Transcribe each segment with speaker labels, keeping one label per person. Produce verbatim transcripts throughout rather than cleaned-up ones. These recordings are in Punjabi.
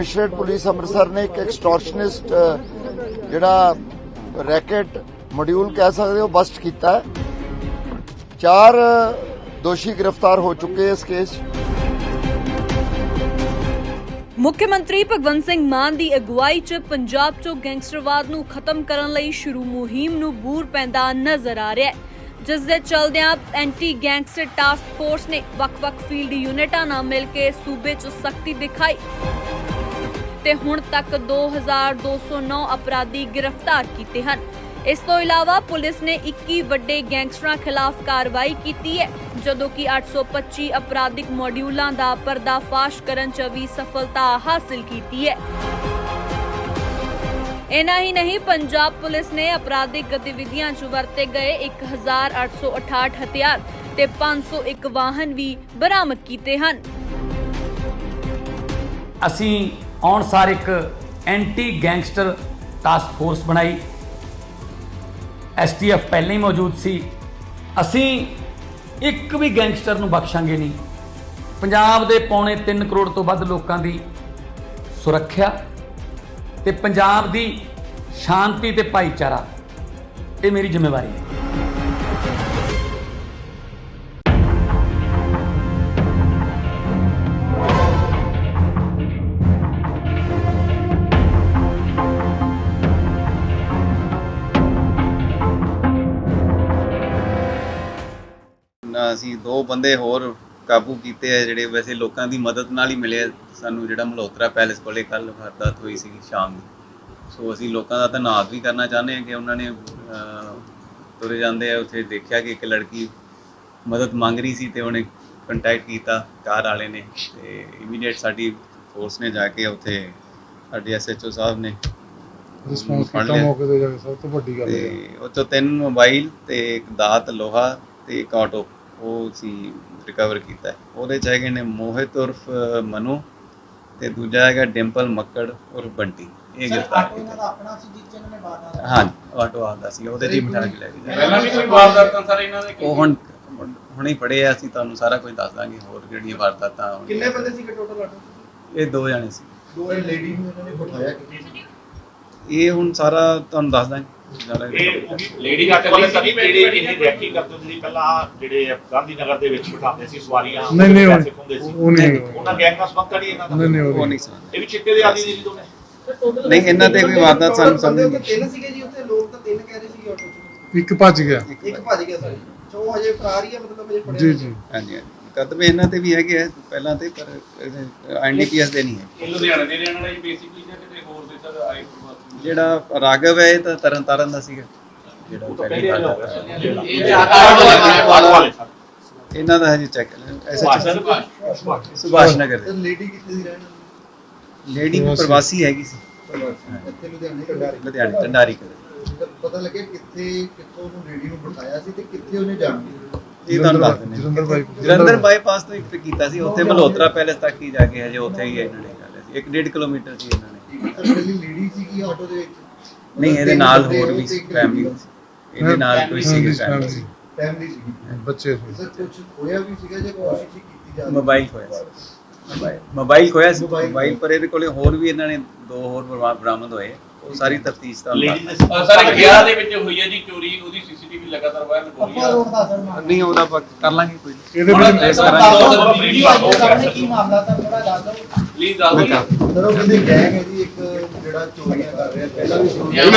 Speaker 1: ਕਮਿਸ਼ਨਰੇਟ ਪੁਲਿਸ ਅੰਮ੍ਰਿਤਸਰ ਨੇ ਇੱਕ ਐਕਸਟੋਰਸ਼ਨਿਸਟ ਜਿਹੜਾ ਰੈਕਟ ਮੋਡਿਊਲ ਕਹਿ ਸਕਦੇ ਹੋ ਬਸਟ ਕੀਤਾ ਹੈ। ਚਾਰ ਦੋਸ਼ੀ गिरफ्तार हो चुके हैं इस केस।
Speaker 2: ਮੁੱਖ ਮੰਤਰੀ ਭਗਵੰਤ ਸਿੰਘ ਮਾਨ ਦੀ ਅਗਵਾਈ 'ਚ ਪੰਜਾਬ 'ਚੋਂ ਗੈਂਗਸਟਰਵਾਦ ਨੂੰ ਖਤਮ ਕਰਨ ਲਈ ਸ਼ੁਰੂ ਮੁਹਿੰਮ ਨੂੰ ਬੂਰ ਪੈਂਦਾ ਨਜ਼ਰ ਆ ਰਿਹਾ ਹੈ, ਜਿਸ ਦੇ ਚਲਦਿਆਂ ਐਂਟੀ ਗੈਂਗਸਟਰ ਟਾਸਕ ਫੋਰਸ ਨੇ ਵੱਖ-ਵੱਖ ਫੀਲਡ ਯੂਨਿਟਾਂ ਨਾਲ ਮਿਲ ਕੇ ਸੂਬੇ 'ਚ ਸਖਤੀ ਦਿਖਾਈ ਤੇ ਹੁਣ ਤੱਕ ਦੋ ਹਜ਼ਾਰ ਦੋ ਸੌ ਨੌ ਅਪਰਾਧੀ ਗ੍ਰਿਫਤਾਰ ਕੀਤੇ ਹਨ। ਇਸ ਤੋਂ ਇਲਾਵਾ ਪੁਲਿਸ ਨੇ ਇੱਕੀ ਵੱਡੇ ਗੈਂਗਸਟਰਾਂ ਖਿਲਾਫ ਕਾਰਵਾਈ ਕੀਤੀ ਹੈ, ਜਦੋਂ ਕਿ ਅੱਠ ਸੌ ਪੱਚੀ ਅਪਰਾਧਿਕ ਮੋਡਿਊਲਾਂ ਦਾ ਪਰਦਾਫਾਸ਼ ਕਰਨ 'ਚ ਵੀ ਸਫਲਤਾ ਹਾਸਲ ਕੀਤੀ ਹੈ। ਇਨਾ ਹੀ ਨਹੀਂ, ਪੰਜਾਬ ਪੁਲਿਸ ਨੇ ਅਪਰਾਧਿਕ ਗਤੀਵਿਧੀਆਂ 'ਚ ਵਰਤੇ ਗਏ ਇੱਕ ਹਜ਼ਾਰ ਅੱਠ ਸੌ ਅਠਾਹਠ ਹਥਿਆਰ ਤੇ ਪੰਜ ਸੌ ਇੱਕ ਵਾਹਨ ਵੀ ਬਰਾਮਦ ਕੀਤੇ ਹਨ।
Speaker 3: ਅਸੀਂ ਆਉਣ ਸਾਰ ਇੱਕ ਐਂਟੀ ਗੈਂਗਸਟਰ ਟਾਸਕ ਫੋਰਸ ਬਣਾਈ। ਐਸ ਟੀ ਐਫ ਪਹਿਲਾਂ ਹੀ ਮੌਜੂਦ ਸੀ। ਅਸੀਂ ਇੱਕ ਵੀ ਗੈਂਗਸਟਰ ਨੂੰ ਬਖਸ਼ਾਂਗੇ ਨਹੀਂ। ਪੰਜਾਬ ਦੇ ਪੌਣੇ ਤਿੰਨ ਕਰੋੜ ਤੋਂ ਵੱਧ ਲੋਕਾਂ ਦੀ ਸੁਰੱਖਿਆ ਤੇ ਪੰਜਾਬ ਦੀ ਸ਼ਾਂਤੀ ਤੇ ਭਾਈਚਾਰਾ, ਇਹ ਮੇਰੀ ਜ਼ਿੰਮੇਵਾਰੀ ਹੈ।
Speaker 4: ਅਸੀਂ ਦੋ ਬੰਦੇ ਹੋਰ ਕਾਬੂ ਕੀਤੇ ਆ ਜਿਹੜੇ ਵੈਸੇ ਲੋਕਾਂ ਦੀ ਮਦਦ ਨਾਲ ਹੀ ਮਿਲੇ। ਸਾਨੂੰ ਜਿਹੜਾ ਮਲਹੋਤਰਾ ਪੈਲੇਸ ਕੋਲੇ ਕੱਲ ਵਾਰਦਾਤ ਹੋਈ ਸੀ ਸ਼ਾਮ ਦੀ, ਸੋ ਅਸੀਂ ਲੋਕਾਂ ਦਾ ਧੰਨਵਾਦ ਵੀ ਕਰਨਾ ਚਾਹੁੰਦੇ ਹਾਂ ਕਿ ਉਹਨਾਂ ਨੇ ਤੁਰੇ ਜਾਂਦੇ ਆ ਉੱਥੇ ਦੇਖਿਆ ਕਿ ਇੱਕ ਲੜਕੀ ਮਦਦ ਮੰਗ ਰਹੀ ਸੀ ਤੇ ਉਹਨੇ ਕੰਟੈਕਟ ਕੀਤਾ ਕਾਰ ਵਾਲੇ ਨੇ, ਤੇ ਇਮੀਡੀਏਟ ਸਾਡੀ ਫੋਰਸ ਨੇ ਜਾ ਕੇ ਉੱਥੇ ਸਾਡੇ ਐਸ ਐਚ ਓ ਸਾਹਿਬ ਨੇ
Speaker 5: ਰਿਸਪੌਂਸ ਕੀਤਾ ਮੌਕੇ ਤੇ ਜਾ ਕੇ। ਸਭ ਤੋਂ ਵੱਡੀ ਗੱਲ
Speaker 4: ਤੇ ਉਹ 'ਚੋਂ ਤਿੰਨ ਮੋਬਾਈਲ ਤੇ ਇੱਕ ਦਾਤ ਲੋਹਾ ਤੇ ਇੱਕ ਆਟੋ ਉਹ ਸੀ ਰਿਕਵਰ ਕੀਤਾ। ਉਹਦੇ 'ਚ ਹੈਗੇ ਨੇ ਮੋਹਿਤ ਉਰਫ ਮਨੂ ਤੇ ਦੂਜਾ ਹੈਗਾ ਡਿੰਪਲ ਮੱਕੜ ਉਰਫ ਬੰਟੀ। ਇਹ ਗ੍ਰਿਫਤਾਰ ਕੀਤਾ। ਹਾਂ, ਆਟੋ ਆਦਾ ਸੀ, ਉਹਦੇ 'ਚ ਹੀ ਮਿਠਾ ਕੇ ਲੈ ਕੇ ਜਾ।
Speaker 6: ਪਹਿਲਾਂ ਵੀ ਕੋਈ ਵਾਰਦਾਤਾਂ ਸਾਰੇ ਇਹਨਾਂ ਦੇ
Speaker 4: ਉਹ ਹੁਣ ਹੁਣੇ ਪੜੇ ਆ, ਅਸੀਂ ਤੁਹਾਨੂੰ ਸਾਰਾ ਕੁਝ ਦੱਸ ਦਾਂਗੇ ਹੋਰ ਜਿਹੜੀਆਂ ਵਾਰਦਾਤਾਂ।
Speaker 6: ਕਿੰਨੇ ਬੰਦੇ ਸੀਗੇ ਟੋਟਲ ਆਟੋ?
Speaker 4: ਇਹ ਦੋ ਜਾਣੇ ਸੀ।
Speaker 6: ਦੋ ਲੇਡੀ ਨੂੰ ਇਹਨਾਂ ਨੇ ਬਿਠਾਇਆ ਕਿਤੇ?
Speaker 4: ਇਹ ਹੁਣ ਸਾਰਾ ਤੁਹਾਨੂੰ ਦੱਸ ਦਾਂਗੇ।
Speaker 6: ਲੇਡੀ ਆਟੋ ਵਾਲੇ ਸਭੀ ਜਿਹੜੇ ਇਹਨੇ ਰੈਕੀ ਕਰਦੇ ਸੀ ਪਹਿਲਾਂ, ਜਿਹੜੇ ਗਾਂਧੀ ਨਗਰ ਦੇ ਵਿੱਚ ਬਿਠਾਉਂਦੇ ਸੀ ਸਵਾਰੀਆਂ,
Speaker 5: ਨਹੀਂ ਨਹੀਂ
Speaker 6: ਪੈਸੇ ਖੁੰਦੇ ਸੀ,
Speaker 5: ਉਹ ਨਹੀਂ,
Speaker 6: ਉਹਨਾਂ ਗੈਂਗ ਨਾਲ ਸੰਬੰਧ ਨਹੀਂ ਇਹਨਾਂ ਦਾ?
Speaker 4: ਨਹੀਂ ਨਹੀਂ ਉਹ ਨਹੀਂ ਸਰ,
Speaker 6: ਇਹ ਵੀ ਚਿੱਟੇ ਦੇ ਆਦੀ ਸੀ ਦੋਨੇ?
Speaker 4: ਨਹੀਂ, ਇਹਨਾਂ ਤੇ ਵੀ ਵਾਰਦਾਤ ਸਾਨੂੰ ਸਮਝ ਨਹੀਂ।
Speaker 7: ਤਿੰਨ ਸੀਗੇ ਜੀ ਉੱਥੇ, ਲੋਕ ਤਾਂ ਤਿੰਨ ਕਹਿ ਰਹੇ ਸੀ ਆਟੋ 'ਚ।
Speaker 5: ਇੱਕ ਭੱਜ ਗਿਆ,
Speaker 7: ਇੱਕ ਭੱਜ ਗਿਆ ਸਰ। ਚੋ ਹਜੇ ਫਰਾਰ ਹੀ ਹੈ, ਮਤਲਬ ਹਜੇ ਫੜਿਆ
Speaker 5: ਜੀ ਜੀ।
Speaker 4: ਹਾਂਜੀ ਹਾਂਜੀ, ਕਦਮੇ ਇਹਨਾਂ ਤੇ ਵੀ ਹੈਗੇ ਆ ਪਹਿਲਾਂ ਤੇ, ਪਰ ਐਨ ਡੀ ਪੀ ਐਸ ਦੇ ਨਹੀਂ ਹੈ।
Speaker 6: ਇਹ ਲੁਧਿਆਣੇ ਦੇ ਰਹਿਣ ਵਾਲੇ ਬੇਸਿਕਲੀ ਜਾਂ ਕਿਤੇ ਹੋਰ ਦੇ ਸਰ ਆਏ?
Speaker 4: ਜਿਹੜਾ ਰਾਘਵ ਹੈ ਇਹ ਤਾਂ ਤਰਨ ਤਾਰਨ ਦਾ ਸੀਗਾ, ਜਿਹੜਾ ਪਹਿਲੀ ਗੱਲ ਇਹਨਾਂ ਦਾ ਹਜੇ ਚੈੱਕ ਸੁਭਾਸ਼ ਨਗਰ ਦੇ।
Speaker 7: ਲੇਡੀ ਕਿੱਥੇ ਦੀ ਰਹਿਣ ਵਾਲੀ?
Speaker 4: ਲੇਡੀ ਪ੍ਰਵਾਸੀ ਹੈਗੀ ਸੀ,
Speaker 7: ਇੱਥੇ ਲੁਧਿਆਣੇ ਢੰਡਾਰੀ।
Speaker 4: ਲੁਧਿਆਣੇ ਢੰਡਾਰੀ ਕੋਲ।
Speaker 7: ਪਤਾ ਲੱਗਿਆ ਕਿੱਥੇ ਕਿੱਥੋਂ ਉਹਨੂੰ ਲੇਡੀ ਨੂੰ ਬਿਠਾਇਆ ਸੀ ਤੇ ਕਿੱਥੇ ਉਹਨੇ ਜਾਣਾ?
Speaker 4: ਇਹ ਤੁਹਾਨੂੰ ਦੱਸ ਦਿੰਦੇ।
Speaker 5: ਜਲੰਧਰ ਬਾਈ
Speaker 4: ਜਲੰਧਰ ਬਾਈਪਾਸ ਤੋਂ ਇੱਕ ਕੀਤਾ ਸੀ, ਉੱਥੇ ਮਲਹੋਤਰਾ ਪੈਲੇਸ ਤੱਕ ਹੀ ਜਾ ਕੇ ਹਜੇ ਉੱਥੇ ਹੀ ਇਹਨਾਂ ਨੇ ਕਰ ਲਿਆ ਸੀ। ਇੱਕ ਡੇਢ ਕਿਲੋਮੀਟਰ ਸੀ ਇਹਨਾਂ ਨੇ।
Speaker 7: ਇਕੱਲੀ ਲੇਡੀ ਸੀਗੀ ਆਟੋ ਦੇ ਵਿੱਚ?
Speaker 4: ਨਹੀਂ, ਇਹਦੇ ਨਾਲ ਹੋਰ ਵੀ ਫੈਮਿਲੀ, ਇਹਦੇ ਨਾਲ ਕੋਈ ਸੀ ਫੈਮਿਲੀ,
Speaker 7: ਫੈਮਿਲੀ ਸੀਗੀ,
Speaker 5: ਬੱਚੇ
Speaker 7: ਸਰ। ਕੁਝ ਹੋਇਆ ਵੀ ਸੀਗਾ ਜੇ ਕੋਸ਼ਿਸ਼ ਕੀਤੀ ਜਾ ਰਹੀ?
Speaker 4: ਮੋਬਾਈਲ ਖੋਇਆ ਸੀ, ਮੋਬਾਈਲ ਮੋਬਾਈਲ ਖੋਇਆ ਸੀ ਮੋਬਾਈਲ, ਪਰ ਇਹਦੇ ਕੋਲੇ ਹੋਰ ਵੀ ਇਹਨਾਂ ਨੇ ਦੋ ਹੋਰ ਬਰਾਮਦ ਹੋਏ। ਉਹ ਸਾਰੀ ਤਫਤੀਸ਼ ਦਾ
Speaker 6: ਸਰ ਇੱਕ ਵਿਆਹ ਦੇ ਵਿੱਚ ਹੋਈ ਹੈ ਜੀ ਚੋਰੀ, ਉਹਦੀ ਸੀਸੀਟੀਵੀ ਲਗਾਤਾਰ ਵਾਇਰਲ ਹੋ ਰਹੀ ਹੈ।
Speaker 4: ਨਹੀਂ, ਉਹਦਾ ਆਪਾਂ ਕਰ ਲਾਂਗੇ ਕੋਈ
Speaker 5: ਇਹਦੇ ਵਿੱਚ
Speaker 4: ਟ੍ਰੇਸ ਕਰਾਂਗੇ।
Speaker 7: ਕੀ ਮਾਮਲਾ ਤਾਂ ਥੋੜਾ ਦੱਸ ਦਿਓ
Speaker 6: ਪਲੀਜ਼ ਦੱਸ ਦਿਓ।
Speaker 7: ਸਰ। ਉਹ ਕਹਿੰਦੇ ਗੈਂਗ ਹੈ ਜੀ ਇੱਕ ਜਿਹੜਾ ਚੋਰੀਆਂ ਕਰ ਰਿਹਾ, ਪਹਿਲਾਂ ਵੀ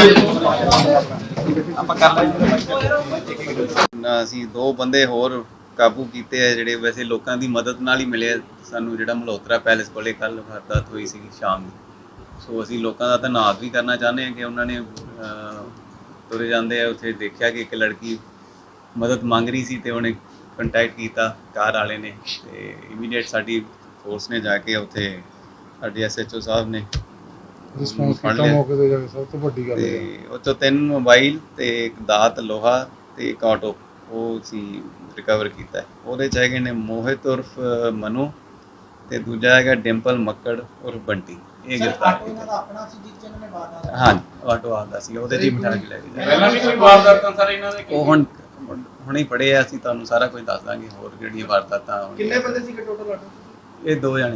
Speaker 4: ਆਪਾਂ ਕਰ ਲਾਂਗੇ। ਅਸੀਂ ਦੋ ਬੰਦੇ ਹੋਰ ਕਾਬੂ ਕੀਤੇ ਆ ਜਿਹੜੇ ਵੈਸੇ ਲੋਕਾਂ ਦੀ ਮਦਦ ਨਾਲ ਹੀ ਮਿਲੇ। ਸਾਨੂੰ ਜਿਹੜਾ ਮਲਹੋਤਰਾ ਪੈਲੇਸ ਕੋਲੇ ਕੱਲ ਵਾਰਦਾਤ ਹੋਈ ਸੀ ਸ਼ਾਮ ਦੀ, ਸੋ ਅਸੀਂ ਲੋਕਾਂ ਦਾ ਧੰਨਵਾਦ ਵੀ ਕਰਨਾ ਚਾਹੁੰਦੇ ਹਾਂ ਕਿ ਉਹਨਾਂ ਨੇ ਤੁਰੇ ਜਾਂਦੇ ਆ ਉੱਥੇ ਦੇਖਿਆ ਕਿ ਇੱਕ ਲੜਕੀ ਮਦਦ ਮੰਗ ਰਹੀ ਸੀ ਤੇ ਉਹਨੇ ਕੰਟੈਕਟ ਕੀਤਾ ਕਾਰ ਵਾਲੇ ਨੇ, ਤੇ ਇਮੀਡੀਏਟ ਸਾਡੀ ਫੋਰਸ ਨੇ ਜਾ ਕੇ ਉੱਥੇ ਸਾਡੇ ਐਸ ਐਚ ਓ ਸਾਹਿਬ ਨੇ
Speaker 5: ਰਿਸਪੌਂਸ ਕੀਤਾ ਮੌਕੇ ਤੇ ਜਾ ਕੇ। ਸਭ ਤੋਂ ਵੱਡੀ ਗੱਲ
Speaker 4: ਤੇ ਉਹ 'ਚੋਂ ਤਿੰਨ ਮੋਬਾਈਲ ਤੇ ਇੱਕ ਦਾਤ ਲੋਹਾ ਤੇ ਇੱਕ ਆਟੋ ਉਹ ਸੀ ਰਿਕਵਰ ਕੀਤਾ। ਉਹਦੇ 'ਚ ਹੈਗੇ ਨੇ ਮੋਹਿਤ ਉਰਫ ਮਨੂ ਤੇ ਦੂਜਾ ਹੈਗਾ ਡਿੰਪਲ ਮੱਕੜ ਉਰਫ ਬੰਟੀ। ਇਹ ਗ੍ਰਿਫਤਾਰ ਕੀਤਾ। ਹਾਂ, ਆਟੋ ਆਦਾ ਸੀ, ਉਹਦੇ 'ਚ ਹੀ ਮਿਠਾ ਕੇ ਲੈ ਕੇ ਜਾ।
Speaker 6: ਪਹਿਲਾਂ ਵੀ ਕੋਈ ਵਾਰਦਾਤਾਂ ਸਾਰੇ ਇਹਨਾਂ ਦੇ?
Speaker 4: ਉਹ ਹੁਣ ਹੁਣੇ ਪੜੇ ਆ, ਅਸੀਂ ਤੁਹਾਨੂੰ ਸਾਰਾ ਕੁਝ ਦੱਸ ਦਾਂਗੇ ਹੋਰ ਜਿਹੜੀਆਂ ਵਾਰਦਾਤਾਂ।
Speaker 7: ਕਿੰਨੇ ਬੰਦੇ ਸੀਗੇ ਟੋਟਲ ਆਟੋ 'ਚ?
Speaker 4: ਇਹ ਦੋ ਜਾਣੇ ਸੀ।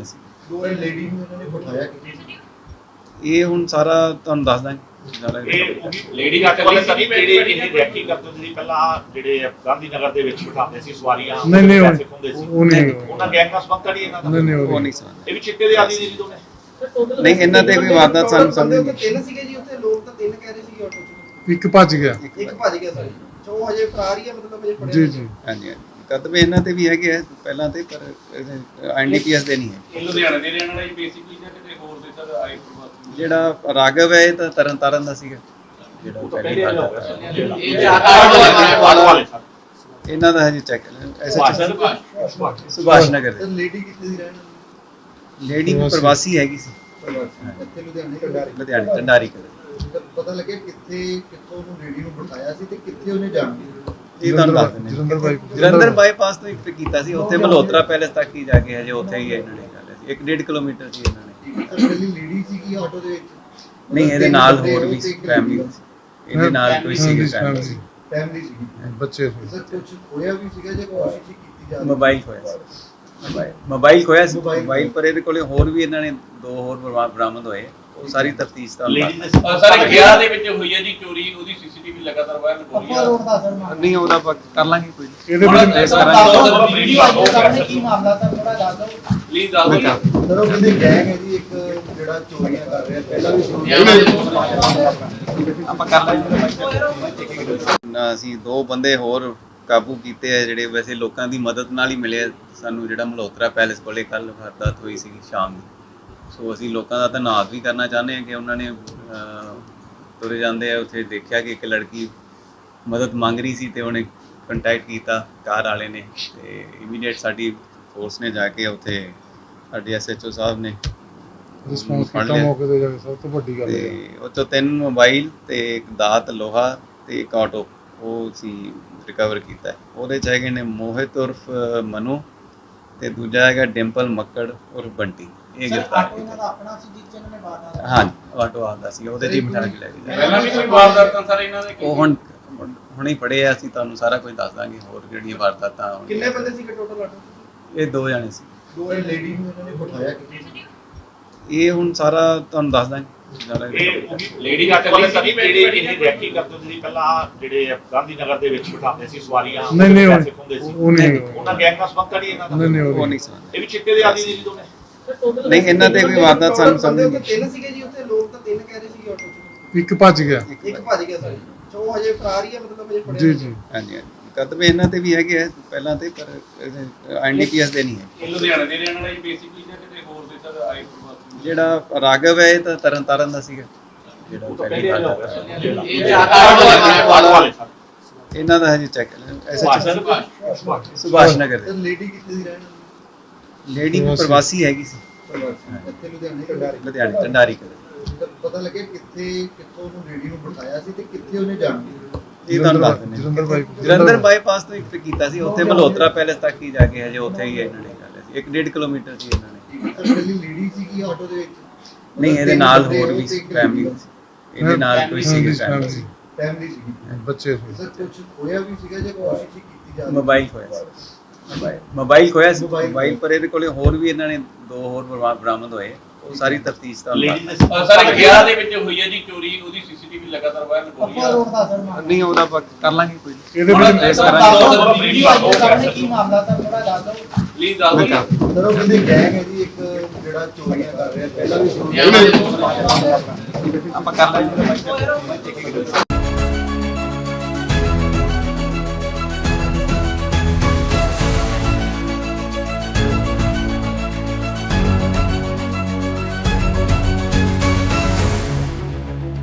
Speaker 7: ਦੋ ਲੇਡੀ ਨੂੰ ਇਹਨਾਂ ਨੇ ਬਿਠਾਇਆ ਕਿ
Speaker 4: ਇਹ ਹੁਣ ਸਾਰਾ ਤੁਹਾਨੂੰ ਦੱਸ ਦਾਂਗੇ ਸਾਰਾ
Speaker 6: ਇਹ ਲੇਡੀ ਘਾਟੇ ਵਾਲੇ ਸਨੀ ਜਿਹੜੇ ਇਹ ਰੈਕੀ ਕਰਦੇ ਸੀ ਪਹਿਲਾਂ ਜਿਹੜੇ ਗਾਂਧੀ ਨਗਰ ਦੇ ਵਿੱਚ ਬਿਠਾਉਂਦੇ ਸੀ ਸਵਾਰੀਆਂ
Speaker 5: ਨਹੀਂ ਨਹੀਂ
Speaker 6: ਪੈਸੇ ਖੁੰਦੇ ਸੀ
Speaker 5: ਉਹ ਨਹੀਂ
Speaker 6: ਉਹਨਾਂ ਗੈਂਗ ਨਾਲ ਸੰਬੰਧ ਨਹੀਂ ਇਹਨਾਂ ਦਾ
Speaker 5: ਨਹੀਂ ਨਹੀਂ
Speaker 4: ਉਹ
Speaker 5: ਉਹ
Speaker 4: ਨਹੀਂ ਸਾਂ
Speaker 6: ਇਹ ਵੀ ਚਿੱਟੇ ਦੇ ਆਦੀ ਨੇ ਜੀ ਦੋਨੇ
Speaker 4: ਨਹੀਂ ਇਹਨਾਂ ਤੇ ਕੋਈ ਵਾਰਦਾਤ ਸਾਨੂੰ ਸਮਝ ਨਹੀਂ
Speaker 7: ਤਿੰਨ ਸੀਗੇ ਜੀ ਉੱਥੇ ਲੋਕ ਤਾਂ ਤਿੰਨ ਕਹਿ ਰਹੇ ਸੀ ਆਟੋ 'ਚ
Speaker 5: ਇੱਕ ਭੱਜ ਗਿਆ
Speaker 7: ਇੱਕ ਭੱਜ ਗਿਆ ਸਰ ਚੋ ਹਜੇ ਫਰਾਰ ਹੀ ਹੈ ਮਤਲਬ ਹਜੇ ਫੜਿਆ
Speaker 5: ਜੀ
Speaker 7: ਨਹੀਂ।
Speaker 5: ਜੀ
Speaker 4: ਹਾਂਜੀ ਹਾਂਜੀ ਕਦਮੇ ਇਹਨਾਂ ਤੇ ਵੀ ਹੈਗੇ ਆ ਪਹਿਲਾਂ ਤੇ ਪਰ ਐਨਡੀਪੀਐਸ ਦੇ ਨਹੀਂ ਹੈ
Speaker 8: ਇਹ ਲੁਧਿਆਣੇ ਦੇ ਰਹਿਣ ਵਾਲਾ ਜੀ ਬੇਸਿਕਲੀ ਜਾਂ ਕਿਤੇ ਹੋਰ ਦੇ ਸਰ ਆਏ ਪ੍ਰਵਾਸੀ
Speaker 4: ਜਿਹੜਾ ਰਾਘਵ ਹੈ ਇਹ ਤਾਂ ਤਰਨ ਤਾਰਨ ਦਾ ਸੀਗਾ ਜਿਹੜਾ
Speaker 6: ਉਹ ਤਾਂ
Speaker 4: ਪਹਿਲੀ
Speaker 6: ਪਹਿਲੇ
Speaker 4: ਵਾਰ
Speaker 6: ਹੋ ਗਿਆ
Speaker 4: ਹੋਇਆ।
Speaker 6: ਇਹ ਆਟੋ ਵਾਲੇ ਸਰ
Speaker 4: ਇਹਨਾਂ ਦਾ ਹਜੇ ਚੈੱਕ ਐਸਐਚ
Speaker 6: ਸੁਭਾਸ਼
Speaker 4: ਸੁਭਾਸ਼ ਨਗਰ
Speaker 7: ਤੇ
Speaker 4: ਦੇ
Speaker 7: ਲੇਡੀ ਕਿੱਥੇ ਦੀ ਰਹਿਣ ਵਾਲੀ?
Speaker 4: ਲੇਡੀ ਵੀ ਪ੍ਰਵਾਸੀ ਹੈਗੀ ਸੀ
Speaker 7: ਇੱਥੇ ਲੁਧਿਆਣੇ ਕੰਡਾਰੀ
Speaker 4: ਲੁਧਿਆਣੇ ਢੰਡਾਰੀ ਕੋਲ
Speaker 7: ਤਾਂ ਪਤਾ ਲੱਗਿਆ ਕਿੱਥੇ ਕਿੱਥੋਂ ਉਹਨੂੰ ਲੇਡੀ ਨੂੰ ਬਿਠਾਇਆ ਸੀ ਤੇ ਕਿੱਥੇ ਉਹਨੇ ਜਾਣਾ
Speaker 4: ਇਹ ਤੁਹਾਨੂੰ ਦੱਸ ਦਿੰਦੇ
Speaker 5: ਜਲੰਧਰ ਬਾਈ
Speaker 4: ਜਲੰਧਰ ਬਾਈਪਾਸ ਤੋਂ ਇੱਕ ਕੀਤਾ ਸੀ ਉੱਥੇ ਮਲਹੋਤਰਾ ਪੈਲੇਸ ਤੱਕ ਹੀ ਜਾ ਕੇ ਹਜੇ ਉੱਥੇ ਹੀ ਇਹਨਾਂ ਨੇ ਕਰ ਲਿਆ ਸੀ ਇੱਕ ਡੇਢ ਕਿਲੋਮੀਟਰ ਸੀ ਇਹਨਾਂ ਨੇ
Speaker 7: ਪਹਿਲੀ ਲੇਡੀ ਸੀਗੀ ਆਟੋ ਦੇ ਵਿੱਚ
Speaker 4: ਨਹੀਂ ਇਹਦੇ ਨਾਲ ਹੋਰ ਵੀ ਫੈਮਿਲੀ ਇਹਦੇ ਨਾਲ ਕੋਈ ਸੀਗੀ ਫੈਮਿਲੀ
Speaker 7: ਫੈਮਿਲੀ ਸੀਗੀ
Speaker 5: ਬੱਚੇ ਹੋਏ।
Speaker 7: ਸਰ ਕੁਝ ਹੋਇਆ ਵੀ ਸੀਗਾ ਜੇ ਕੋਸ਼ਿਸ਼ ਹੀ ਕੀਤੀ ਜਾ ਰਹੀ
Speaker 4: ਮੋਬਾਈਲ ਖੋਇਆ ਸੀ ਮੋਬਾਈਲ ਮੋਬਾਈਲ ਖੋਇਆ ਸੀ ਮੋਬਾਈਲ ਪਰ ਇਹਦੇ ਕੋਲੇ ਹੋਰ ਵੀ ਇਹਨਾਂ ਨੇ ਦੋ ਹੋਰ ਬਰਾ- ਬਰਾਮਦ ਹੋਏ ਉਹ ਸਾਰੀ ਤਫਤੀਸ਼ ਦਾ
Speaker 6: ਲੇਡੀ ਦੇ
Speaker 8: ਸਰ ਗਿਆਰਾਂ ਦੇ ਵਿੱਚ ਹੋਈ ਹੈ ਜੀ ਚੋਰੀ ਉਹਦੀ ਸੀਸੀਟੀਵੀ ਲਗਾਤਾਰ ਵਾਇਰਲ ਹੋ ਰਹੀ
Speaker 7: ਆਪਾਂ
Speaker 8: ਹੈ
Speaker 7: ਰੋਡ ਦਾ ਸਰ ਮਾਮਲਾ
Speaker 4: ਨਹੀਂ ਉਹਦਾ ਆਪਾਂ ਕਰ ਲਾਂਗੇ ਕੋਈ
Speaker 5: ਇਹਦੇ
Speaker 8: ਹੁਣ
Speaker 5: ਵਿੱਚ
Speaker 4: ਇਸ
Speaker 8: ਸਰ
Speaker 4: ਤਰ੍ਹਾਂ
Speaker 8: ਦੱਸ ਦਿਓ
Speaker 6: ਦੀ-
Speaker 8: ਵੀਡੀਓ ਆਓ
Speaker 7: ਸਾਹਮਣੇ ਕੀ ਮਾਮਲਾ ਤਾਂ ਥੋੜਾ ਦੱਸ ਦਿਓ
Speaker 8: ਪਲੀਜ਼ ਦੱਸ ਦਿਓ
Speaker 7: ਸਰ ਉਹ ਕਹਿੰਦੇ ਗੈਂਗ ਹੈ ਜੀ ਇੱਕ ਜਿਹੜਾ ਚੋਰੀਆਂ ਕਰ ਰਿਹਾ ਪਹਿਲਾਂ ਵੀ ਸ਼ੁਰੂ
Speaker 4: ਆਪਾਂ ਕਰ ਲਾਂਗੇ ਨਾ ਅਸੀਂ ਦੋ ਬੰਦੇ ਹੋਰ ਕਾਬੂ ਕੀਤੇ ਆ ਜਿਹੜੇ ਵੈਸੇ ਲੋਕਾਂ ਦੀ ਮਦਦ ਨਾਲ ਹੀ ਮਿਲੇ ਆ। ਸਾਨੂੰ ਜਿਹੜਾ ਮਲਹੋਤਰਾ ਪੈਲੇਸ ਕੋਲੇ ਕੱਲ ਵਾਰਦਾਤ ਹੋਈ ਸੀ ਸ਼ਾਮ ਦੀ ਸੋ ਅਸੀਂ ਲੋਕਾਂ ਦਾ ਧੰਨਵਾਦ ਵੀ ਕਰਨਾ ਚਾਹੁੰਦੇ ਹਾਂ ਕਿ ਉਹਨਾਂ ਨੇ ਅਹ, ਤੁਰੇ ਜਾਂਦੇ ਆ ਉੱਥੇ ਦੇਖਿਆ ਕਿ ਇੱਕ ਲੜਕੀ ਮਦਦ ਮੰਗ ਰਹੀ ਸੀ ਤੇ ਉਹਨੇ ਕੰਟੈਕਟ ਕੀਤਾ ਕਾਰ ਵਾਲੇ ਨੇ ਤੇ ਇਮੀਡੀਏਟ ਸਾਡੀ ਫੋਰਸ ਨੇ ਜਾ ਕੇ ਉੱਥੇ ਸਾਡੇ ਐਸਐਚਓ ਸਾਹਿਬ ਨੇ
Speaker 5: ਰਿਸਪੌਂਸ
Speaker 4: ਫੜ
Speaker 5: ਕੀਤਾ
Speaker 4: ਲਿਆ।
Speaker 5: ਮੌਕੇ ਤੇ ਜਾ ਕੇ ਸਭ ਤੋਂ ਵੱਡੀ ਗੱਲ ਹੈ
Speaker 4: ਤੇ ਉਹ 'ਚੋਂ ਤਿੰਨ ਮੋਬਾਈਲ ਤੇ ਇੱਕ ਦਾਤ ਲੋਹਾ ਤੇ ਇੱਕ ਆਟੋ ਉਹ ਸੀ ਰਿਕਵਰ ਕੀਤਾ ਹੈ। ਉਹਦੇ 'ਚ ਹੈਗੇ ਨੇ ਮੋਹਿਤ ਉਰਫ ਮਨੂ ਤੇ ਦੂਜਾ ਹੈਗਾ ਡਿੰਪਲ ਮੱਕੜ ਉਰਫ ਬੰਟੀ ਇਹ ਗ੍ਰਿਫਤਾਰ ਕੀਤਾ
Speaker 7: ਆਪਣਾ ਸੀ ਜਿਸ ਜਨ ਨੇ ਬਾਤ
Speaker 4: ਹਾਂ ਆਟੋ ਆਉਂਦਾ ਸੀ ਉਹਦੇ 'ਚ ਹੀ ਬਿਠਾ ਕੇ ਲੈ ਕੇ ਜਾਇਆ
Speaker 8: ਪਹਿਲਾਂ ਵੀ ਕੋਈ ਵਾਰਦਾਤਾਂ ਸਰ ਇਹਨਾਂ ਦੇ
Speaker 4: ਉਹ ਹੁਣ ਹੁਣੇ ਪੜੇ ਆ ਅਸੀਂ ਤੁਹਾਨੂੰ ਸਾਰਾ ਕੁਝ ਦੱਸ ਦਾਂਗੇ ਹੋਰ ਜਿਹੜੀਆਂ ਵਾਰਦਾਤਾਂ ਹੋਣਗੀਆਂ।
Speaker 7: ਕਿੰਨੇ ਬੰਦੇ ਸੀ ਟੋਟਲ ਆਟੋ
Speaker 4: ਇਹ ਦੋ ਜਾਣੇ ਸੀ
Speaker 7: ਦੋ ਲੇਡੀ ਨੂੰ ਇਹਨਾਂ ਨੇ ਬਿਠਾਇਆ ਕਿ
Speaker 4: ਇਹ ਹੁਣ ਸਾਰਾ ਤੁਹਾਨੂੰ ਦੱਸ ਦਾਂਗੇ ਸਾਰਾ
Speaker 6: ਇਹ ਲੇਡੀ ਘਾਟੇ ਵਾਲੇ ਸਨੀ ਜਿਹੜੇ ਇਹ ਰੈਕੀ ਕਰਦੇ ਸੀ ਪਹਿਲਾਂ ਜਿਹੜੇ ਗਾਂਧੀ ਨਗਰ ਦੇ ਵਿੱਚ ਬਿਠਾਉਂਦੇ ਸੀ ਸਵਾਰੀਆਂ
Speaker 5: ਨਹੀਂ ਨਹੀਂ
Speaker 6: ਪੈਸੇ ਖੁੰਦੇ ਸੀ
Speaker 5: ਉਹ ਉਹ ਨਹੀਂ
Speaker 6: ਉਹਨਾਂ ਗੈਂਗ ਨਾਲ ਸੰਬੰਧ ਨਹੀਂ ਇਹਨਾਂ ਦਾ
Speaker 5: ਨਹੀਂ ਨਹੀਂ
Speaker 4: ਉਹ
Speaker 5: ਉਹ
Speaker 4: ਨਹੀਂ ਸਾਂ
Speaker 6: ਇਹ ਵੀ ਚਿੱਟੇ ਦੇ ਆਦੀ ਨੇ ਜੀ ਦੋਨੇ
Speaker 4: ਨਹੀਂ ਇਹਨਾਂ ਤੇ ਕੋਈ ਵਾਰਦਾਤ ਸਾਨੂੰ ਸਮਝ ਨਹੀਂ
Speaker 7: ਤਿੰਨ ਸੀਗੇ ਜੀ ਉੱਥੇ ਲੋਕ ਤਾਂ ਤਿੰਨ ਕਹਿ ਰਹੇ ਸੀ ਆਟੋ 'ਚ
Speaker 5: ਇੱਕ ਭੱਜ ਗਿਆ
Speaker 7: ਇੱਕ ਭੱਜ ਗਿਆ ਸਰ ਚੋ ਹਜੇ ਫਰਾਰ ਹੀ ਹੈ ਮਤਲਬ ਹਜੇ ਫੜਿਆ
Speaker 5: ਜੀ
Speaker 7: ਨਹੀਂ।
Speaker 5: ਜੀ
Speaker 4: ਹਾਂਜੀ ਹਾਂਜੀ ਕਦਮੇ ਇਹਨਾਂ ਤੇ ਵੀ ਹੈਗੇ ਆ ਪਹਿਲਾਂ ਤੇ ਪਰ ਐਨਡੀਪੀਐਸ ਦੇ ਨਹੀਂ ਹੈ
Speaker 8: ਇਹ ਲੁਧਿਆਣੇ ਦੇ ਰਹਿਣ ਵਾਲਾ ਜੀ ਬੇਸਿਕਲੀ ਜਾਂ ਕਿਤੇ ਹੋਰ ਦੇ ਸਰ ਆਏ ਪ੍ਰਵਾਸੀ
Speaker 4: ਜਿਹੜਾ ਰਾਘਵ ਹੈ ਇਹ ਤਾਂ ਤਰਨ ਤਾਰਨ ਦਾ ਸੀਗਾ ਜਿਹੜਾ
Speaker 6: ਉਹ ਤਾਂ
Speaker 4: ਪਹਿਲੀ
Speaker 6: ਪਹਿਲੇ
Speaker 4: ਵਾਰ
Speaker 6: ਹੋ
Speaker 4: ਹੋਇਆ।
Speaker 6: ਗਿਆ ਆਟੋ ਵਾਲੇ ਸਰ
Speaker 4: ਇਹਨਾਂ ਦਾ ਹਜੇ ਚੈੱਕ ਐਸਐਚ
Speaker 6: ਸੁਭਾਸ਼
Speaker 4: ਸੁਭਾਸ਼ ਨਗਰ
Speaker 7: ਤੇ
Speaker 4: ਦੇ
Speaker 7: ਲੇਡੀ ਕਿੱਥੇ ਦੀ ਰਹਿਣ ਵਾਲੀ?
Speaker 4: ਲੇਡੀ ਵੀ ਪ੍ਰਵਾਸੀ ਹੈਗੀ ਸੀ
Speaker 7: ਇੱਥੇ ਲੁਧਿਆਣੇ ਕੰਡਾਰੀ
Speaker 4: ਲੁਧਿਆਣੇ ਢੰਡਾਰੀ ਕੋਲ
Speaker 7: ਤਾਂ ਪਤਾ ਲੱਗਿਆ ਕਿੱਥੇ ਕਿੱਥੋਂ ਉਹਨੂੰ ਲੇਡੀ ਨੂੰ ਬਿਠਾਇਆ ਸੀ ਤੇ ਕਿੱਥੇ ਉਹਨੇ ਜਾਣਾ
Speaker 4: ਇਹ ਤੁਹਾਨੂੰ ਦੱਸ ਦਿੰਦੇ
Speaker 5: ਜਲੰਧਰ ਬਾਈ
Speaker 4: ਜਲੰਧਰ ਬਾਈਪਾਸ ਤੋਂ ਇੱਕ ਕੀਤਾ ਸੀ ਉੱਥੇ ਮਲਹੋਤਰਾ ਪੈਲੇਸ ਤੱਕ ਹੀ ਜਾ ਕੇ ਹਜੇ ਉੱਥੇ ਹੀ ਇਹਨਾਂ ਨੇ ਕਰ ਲਿਆ ਸੀ ਇੱਕ ਡੇਢ ਕਿਲੋਮੀਟਰ ਸੀ ਇਹਨਾਂ ਨੇ
Speaker 7: ਸਰ ਪਹਿਲੀ ਲੇਡੀ ਸੀਗੀ ਆਟੋ ਦੇ ਵਿੱਚ
Speaker 4: ਨਹੀਂ ਇਹਦੇ ਨਾਲ ਹੋਰ ਵੀ ਫੈਮਿਲੀ ਇਹਦੇ ਨਾਲ ਕੋਈ ਸੀਗੀ
Speaker 5: ਫੈਮਿਲੀ
Speaker 4: ਫੈਮਿਲੀ
Speaker 7: ਫੈਮਿਲੀ ਸੀਗੀ
Speaker 5: ਬੱਚੇ ਹੋਏ।
Speaker 7: ਸਰ ਕੁਝ ਹੋਇਆ ਵੀ ਸੀਗਾ ਜੇ ਕੋਸ਼ਿਸ਼ ਹੀ ਕੀਤੀ ਜਾ ਰਹੀ
Speaker 4: ਮੋਬਾਈਲ ਖੋਇਆ ਸੀ ਮੋਬਾਈਲ ਮੋਬਾਈਲ ਖੋਇਆ ਸੀ ਮੋਬਾਈਲ ਪਰ ਇਹਦੇ ਕੋਲੇ ਹੋਰ ਵੀ ਇਹਨਾਂ ਨੇ ਦੋ ਹੋਰ ਬਰਾ- ਬਰਾਮਦ ਹੋਏ ਉਹ ਸਾਰੀ ਤਫਤੀਸ਼ ਦਾ
Speaker 6: ਲੇਡੀ ਦੇ
Speaker 8: ਸਰ ਗਿਆਰਾਂ ਦੇ ਵਿੱਚ ਹੋਈ ਹੈ ਜੀ ਚੋਰੀ ਉਹਦੀ ਸੀਸੀਟੀਵੀ ਲਗਾਤਾਰ ਵਾਇਰਲ ਹੋ ਰਹੀ
Speaker 7: ਆਪਾਂ
Speaker 8: ਹੈ
Speaker 7: ਰੋਡ ਦਾ ਸਰ ਮਾਮਲਾ
Speaker 4: ਨਹੀਂ ਉਹਦਾ ਆਪਾਂ ਕਰ ਲਾਂਗੇ ਕੋਈ
Speaker 5: ਇਹਦੇ
Speaker 8: ਹੁਣ
Speaker 5: ਵਿੱਚ
Speaker 8: ਸਰ
Speaker 4: ਇਸ ਤਰ੍ਹਾਂ
Speaker 8: ਦੱਸ ਦਿਓ
Speaker 6: ਵੀਡੀਓ ਆਓ
Speaker 7: ਸਾਹਮਣੇ ਕੀ ਮਾਮਲਾ ਤਾਂ ਥੋੜਾ ਦੱਸ ਦਿਓ
Speaker 8: ਪਲੀਜ਼ ਦੱਸ ਦਿਓ
Speaker 7: ਸਰ ਉਹ ਕਹਿੰਦੇ ਗੈਂਗ ਹੈ ਜੀ ਇੱਕ ਜਿਹੜਾ ਚੋਰੀਆਂ ਕਰ ਰਿਹਾ ਪਹਿਲਾਂ ਵੀ ਸ਼ੁਰੂ
Speaker 4: ਆਪਾਂ ਕਰ ਲਾਂਗੇ